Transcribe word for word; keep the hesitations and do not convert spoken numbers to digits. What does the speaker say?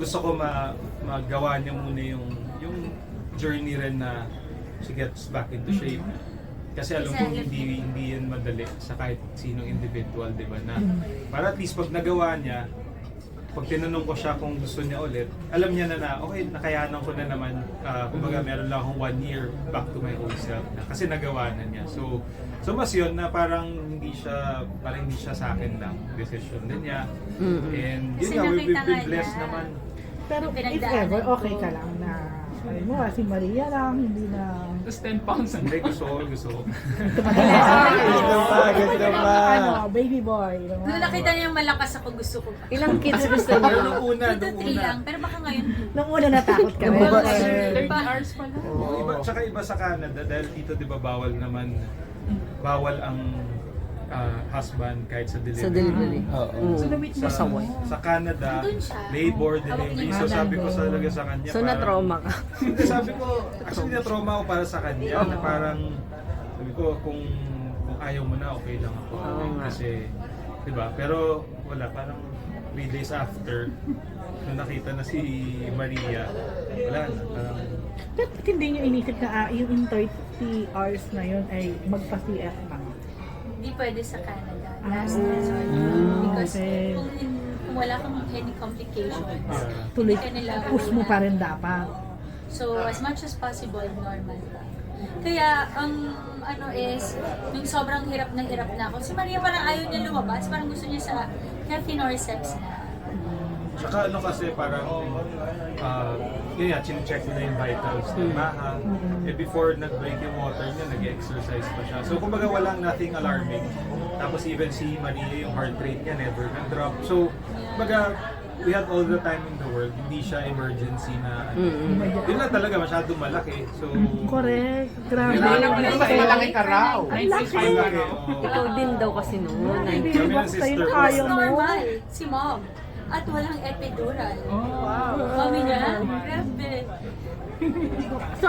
gusto ko ma magawa niya muna yung yung journey rin na she gets back into shape. Kasi alam ko hindi hindi yan madali sa kahit sinong individual, di ba? Na para at least pag nagawa niya, pag tinanong ko siya kung gusto niya ulit, alam niya na na, okay, nakayanan ko na naman, uh, kumbaga meron lang akong one year back to my old self na, kasi nagawa na niya. So, so mas yun na parang hindi siya, parang hindi siya sa akin lang, decision din niya. And yun Kasi nga, we've nakita been nga blessed niya. naman. Pero if Pinagdaanan ever, ko. okay ka lang na, ano mo, si Maria lang, hindi na... Tapos ten pounds ang Hindi, gusto ko, gusto ko. Ganda pa, ganda pa. Ano, baby boy. diba? Nung nakita niya yung malakas ako, gusto ko pa. Ilang kids gusto Pero niyo? nung una, Two to nung three una. lang, pero baka ngayon, Nung una natakot ka Yung rin. babae. Eh, thirty hours pa lang. Oo, iba, tsaka iba sa Canada dahil dito di ba bawal naman bawal ang ah, husband kahit sa delivery. Sa delivery. Oo. Mm. Sa, sa Canada, Nandun siya. labor Oo. delivery. Hawak So niya. sabi ko sa talaga sa kanya, So na-trauma ka? Hindi, sabi ko, actually na-trauma ako para sa kanya. Na parang, sabi ko, kung kung ayaw mo na, okay lang ako. Oo nga. Kasi, di ba? Pero wala, parang three days after, nung nakita na si Maria, wala na, parang, Pero ba't hindi nyo inisip na ah, yung in thirty hours na yun ay magpa-C F ka? hindi pwede sa Canada. Last Ah, resort. Because okay. kung, in- kung wala kang any complications, yeah. Tuloy, hindi ka nila push mo pa rin dapat. So, as much as possible, normal lang. Kaya, ang ano is, nung sobrang hirap na hirap na ako, si Maria parang ayaw niya lumabas, parang gusto niya sa healthy Norceps na. Tsaka ano kasi parang, uh, yun nga, chinecheck nila yung vitals ng Maha. Eh before nag-break yung water niya, nag-exercise pa siya. So kumbaga walang nothing alarming. Tapos even si Maria, yung heart rate niya never nag-drop. So kumbaga, we had all the time in the world. Hindi siya emergency na, yun lang talaga, masyadong malaki. So, Correct. Grabe. Kailangan Pero Ang mas laki. malaki ka raw. Ang laki. ang laki. oo. Ikaw din daw kasi noon. Baby Kami ng box sa'yo, sister ko. kaya mo. Normal, si mom. At walang epidural. Oh, wow. Mami niya, grabe. So,